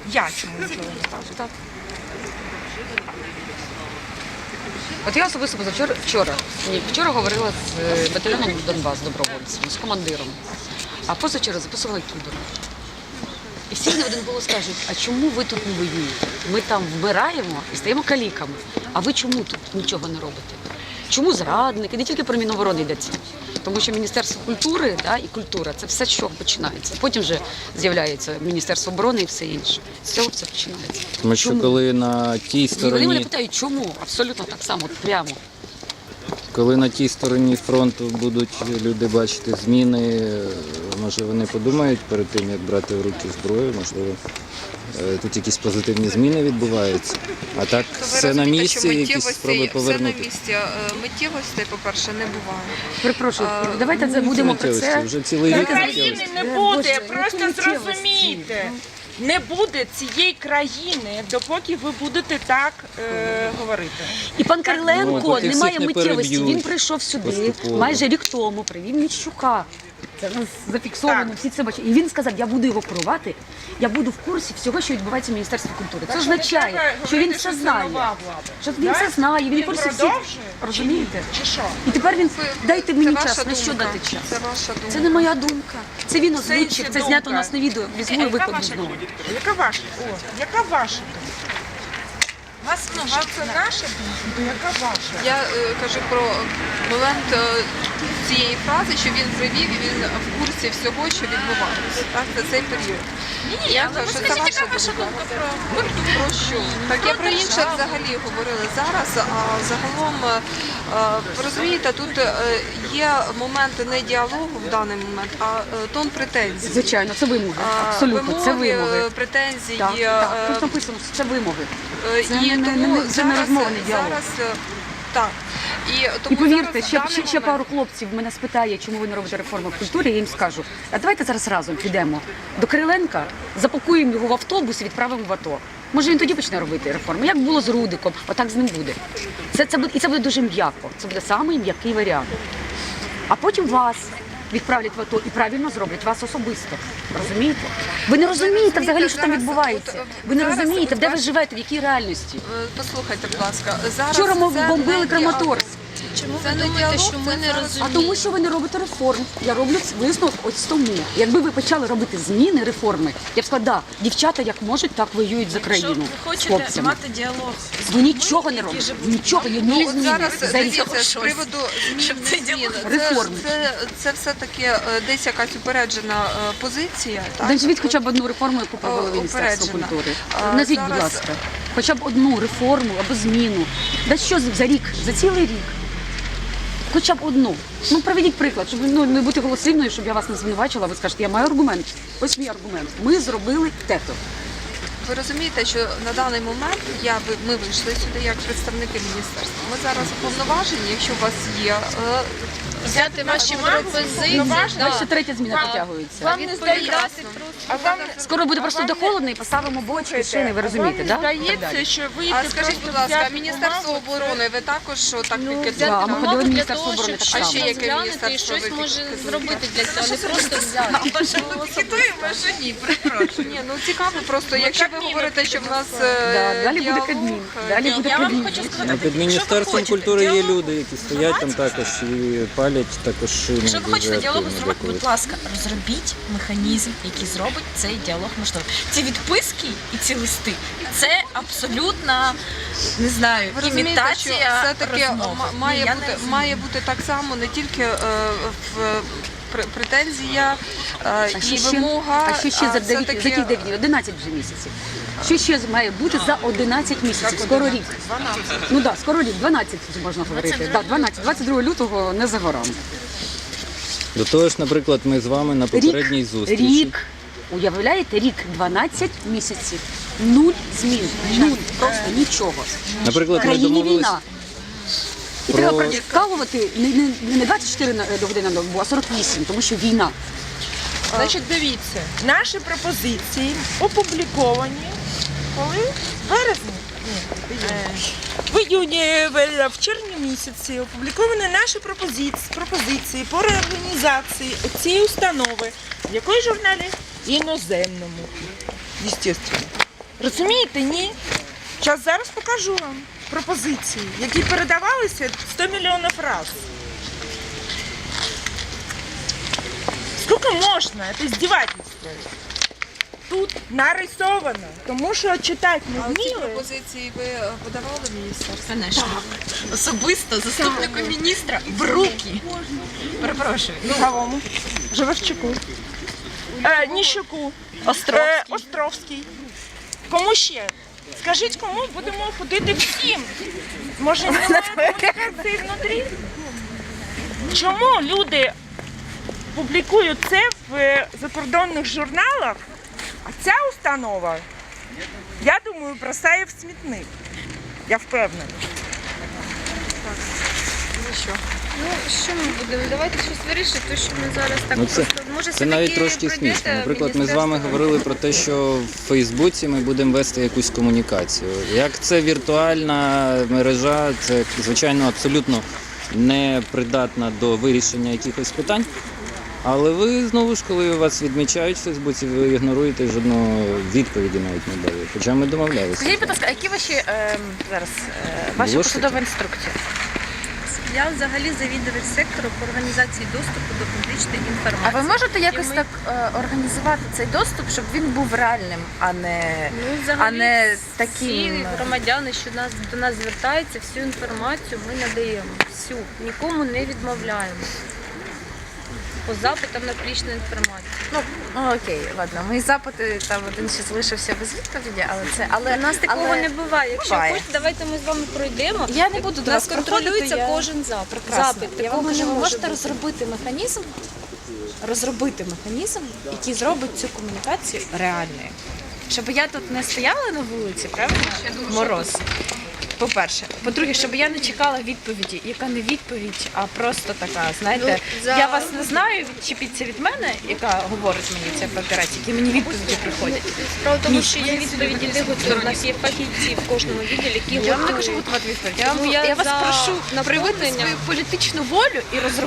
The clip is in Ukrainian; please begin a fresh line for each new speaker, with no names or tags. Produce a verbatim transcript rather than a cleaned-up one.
Я чому нічого не кажу, так?
От я особисто позавчора, вчора, ні, вчора говорила з е, батальйоном Донбас добровольцем, з командиром, а позавчора записувала кібер. І всі на один голос кажуть, а чому ви тут не воюєте? Ми там вмираємо і стаємо каліками, а ви чому тут нічого не робите? Чому зрадники? Не тільки про Міноборони йдеться. Тому що Міністерство культури, да, і культура – це все, з чого починається. Потім вже з'являється Міністерство оборони і все інше. З цього все починається.
Тому що
Чому?
коли на тій
І вони мене
стороні,
питають, чому? Абсолютно так само, от прямо.
коли на тій стороні фронту будуть люди бачити зміни, може вони подумають перед тим, як брати в руки зброю, можливо, е, тут якісь позитивні зміни відбуваються. А так
То ви
все на
розумієте,
місці,
що
якісь
миттєвості-
спроби
Все на
повернути.
місці. Е, Миттєвостей, по-перше, не буває.
Перепрошую, давайте забудемо про це.
Вже цілий рік
країни
миттєвості.
не
Боже,
буде,
які
просто
миттєвості?
зрозумійте. Не буде цієї країни, допоки ви будете так е, говорити.
І пан
Ну,
Кириленко
поки
не
всіх
має
не
миттєвості.
переб'ють
Він прийшов сюди
поступово.
майже рік тому, привів Міщука. Це в нас зафіксовано,
Так.
всі це бачать. І він сказав, я буду його керувати, я буду в курсі всього, що відбувається в Міністерстві культури. Це
Так що не
означає,
треба
що він
говорити,
все
що це
знає.
нова влада.
Що він
Да?
все знає, він в
Він
курсі всіх.
продовжує?
Розумієте?
Чи що?
І тепер він,
Ви-
дайте
це
мені
ваша
час, на що
думка.
дати час?
Це ваша думка.
Це не моя думка. Це він озвучив,
Сенсі
це знято у
думка.
нас на відео. Візьму і
Яка
викладу
ваша
знову.
думка? Яка ваша? О, яка ваша думка? Вас, ну, вам це наша думка, то яка ваша?
Я е, кажу про момент е, цієї фрази, що він привів і він в курсі всього, що відбувається. Так, за цей період.
Ні,
Я
ну,
кажу,
ви
що це
скажіть,
ваша
яка ваша
думка.
думка про
Про що? Так я про інше взагалі говорила зараз, а загалом, е, ви розумієте, тут е, є моменти не діалогу в даний момент, а е, тон претензій.
Звичайно, це вимоги.
А,
Абсолютно, це
вимоги,
вимоги.
е, претензії.
Так,
е,
так. Тут написано, що це вимоги.
Е,
Це
і
не- не-
тому
не- це не
зараз,
розмова, не діалог.
зараз е, так. І, тому
І повірте,
зараз,
ще,
в даний
ще, ще
момент-
пару хлопців мене спитає, чому ви не робите реформу в культурі, я їм скажу, а давайте зараз разом підемо до Кириленка, запакуємо його в автобус і відправимо в АТО. Може він тоді почне робити реформу. Як було з Рудиком, отак з ним буде. Це, це буде. І це буде дуже м'яко. Це буде самий м'який варіант. А потім вас відправлять в АТО і правильно зроблять вас особисто. Розумієте? Ви не розумієте взагалі, що там
зараз,
відбувається.
от,
Ви не
зараз,
розумієте,
от
де ви
ваш-
живете, в якій реальності.
Е, Послухайте, будь ласка, зараз
Вчора ми
це
бомбили
не
Краматорськ.
Чому
Це
ви
не
думаєте,
діалог,
що ми
це
не
зараз-
розуміємо?
А тому, що ви не робите реформ. Я роблю висновок ось тому. Якби ви почали робити зміни, реформи, я б сказала, да, дівчата як можуть, так воюють за
Якщо
країну
ви
з
хочете
хлопцями.
мати діалог з
Ви
людьми,
нічого не
які
робите.
живуть
Нічого, ні
Ну, от
зміни.
зараз
За рік.
дивіться, з
щось.
приводу змін,
Щоб
не
цей
змін.
діалог-
Це,
Реформи.
це, це все-таки е, десь якась упереджена е, позиція. Так?
Назвіть хоча б одну реформу, яку провели
О,
Міністерство
упереджена.
культури.
А,
Назвіть, будь
зараз-
ласка, хоча б одну реформу або зміну. Да що за рік, за цілий рік? Хоча б одну. Ну, приведіть приклад, щоб ну, не бути голослівною, щоб я вас не звинувачила. Ви скажете, я маю аргумент. Ось мій аргумент. Ми зробили те-то.
Ви розумієте, що на даний момент я ви- ми вийшли сюди як представники міністерства. Ми зараз уповноважені, якщо у вас є е,
взяти ваші пропозиції.
Повноваження.
Ось ще третя зміна підтягується.
Вам не здається,
А вам,
Скоро буде
а
просто
вам
де
не-
холодно і поставимо бочки, шини, ви
а
розумієте,
вам
да?
не
Так
здається,
далі.
що ви
А скажіть, будь ласка, Міністерство оборони, ви також так
ну,
пікетуєте?
взяти
Да, ми ходили
допомогу
в
для
Міністерство
того,
оборони
щоб
так
само.
щось
А ще яке
розглянути і
міністерство
щось
ви
може
пікетуєте?
зробити для цього, не просто взяти.
Пікетуємо, що ні, перепрошую. Ні, ну цікаво просто, якщо ви
Кабміну
говорите, що в нас
Да,
е,
далі буде
діалог,
Кабмін,
е,
далі
діалог.
буде
Я вам
Кабмін.
хочу
А
сказати,
під
що ви
Міністерством
хочете
культури є
діалогу,
люди, які стоять там також і палять також шини.
Якщо ви
дуже
хочете діалогу
активно
зробити,
деколи.
будь ласка, розробіть механізм, який зробить цей діалог можливим. Ці відписки і ці листи – це абсолютна, не знаю,
Ви розумієте, що
імітація
все-таки
розмови.
ма-
Ні,
має
я не
бути,
розумію.
має бути так само не тільки е, в пр- претензія е,
А
і
що ще,
вимога,
а що ще за дев'ять,
все-таки-
за яких дев'ять, одинадцять вже місяців? Що ще має бути за одинадцять місяців? Скоро рік. Ну так, да, скоро рік, дванадцять вже можна говорити. Так, дванадцять, двадцять другого лютого не за горами.
До того ж, наприклад, ми з вами на попередній
Рік,
зустрічі.
рік, уявляєте, рік, дванадцять місяців, нуль змін, нуль, просто нічого.
Наприклад,
В
ми
країні
домовились
війна. І
про-
треба прокалувати не, не, не двадцять чотири на- години на добу, а сорок вісім, тому що війна.
Значить, дивіться, наші пропозиції опубліковані коли? В березні? Ні, е, в іюні, в, в червні місяці опубліковані наші пропозиції, пропозиції по реорганізації цієї установи. В якої журналі? Іноземному. Естественно. Розумієте, ні? Зараз зараз покажу вам пропозиції, які передавалися сто мільйонів разів. Скільки можна? Це издевательство. Тут нарисовано, тому що читати не
А ці
вміли.
пропозиції ви е, подавали в міністерство?
Конечно. Особисто заступнику міністра в руки. Перепрошую. Ну,
Кому? Живевчуку. Е, Ніщуку.
Островський.
Е, Островський. Кому ще? Скажіть, кому будемо ходити всім? Може, немає комунікації внутрі? Чому люди публікують це в закордонних журналах, а ця установа, я думаю, бросає в смітник. Я впевнена.
Ну, що ми будемо? Давайте щось вирішити, то що ми зараз так
Ну, це-
просто... Може,
Це навіть
все-таки
трошки
пройдете
смішно.
в
Наприклад, ми з вами
міністерство?
говорили про те, що в Фейсбуці ми будемо вести якусь комунікацію. Як це віртуальна мережа, це звичайно абсолютно не придатна до вирішення якихось питань. Але ви знову ж, коли вас відмічають в Фейсбуці, ви ігноруєте і жодної відповіді навіть не дали. Хоча ми домовлялися.
Скажіть, будь ласка, а які ваші е, зараз е, ваші
Було
посадові
щось?
інструкції?
Я взагалі завідувач сектору по організації доступу до публічної
А
інформації.
ви можете якось
І ми-
так е, організувати цей доступ, щоб він був реальним, а не
Ну, взагалі,
а не
всі
таким.
громадяни, що нас, до нас звертаються, всю інформацію ми надаємо. Всю. Нікому не відмовляємо. По запитам на публічну інформацію.
Ну, ну окей, ладно. Мої запити там один ще залишився без відповіді, але це але
У нас такого
але...
не буває. Якщо
буває.
хочете, давайте ми з вами пройдемо.
Я не буду до
нас
вас проходити,
контролюється
я-
кожен запит.
Прекрасно.
Запит
Я вам
такого
кажу,
не
ви
може
можете
бути.
розробити механізм, розробити механізм, який зробить цю комунікацію реальною. Щоб я тут не стояла на вулиці, правильно? Мороз. По-перше. По-друге, щоб я не чекала відповіді, яка не відповідь, а просто така, знаєте,
Ну, за-
я вас не знаю, відчепіться від мене, яка говорить мені ця папірець, які мені відповіді приходять.
Справа в тому,
Ні.
що є відповіді де готові. У нас є фахівці в кожному відділі, які
Я вам не
готові.
кажу готувати відповідь.
Тому
Я,
я
я вас
за
прошу проявити
наповнення.
свою політичну волю і розробити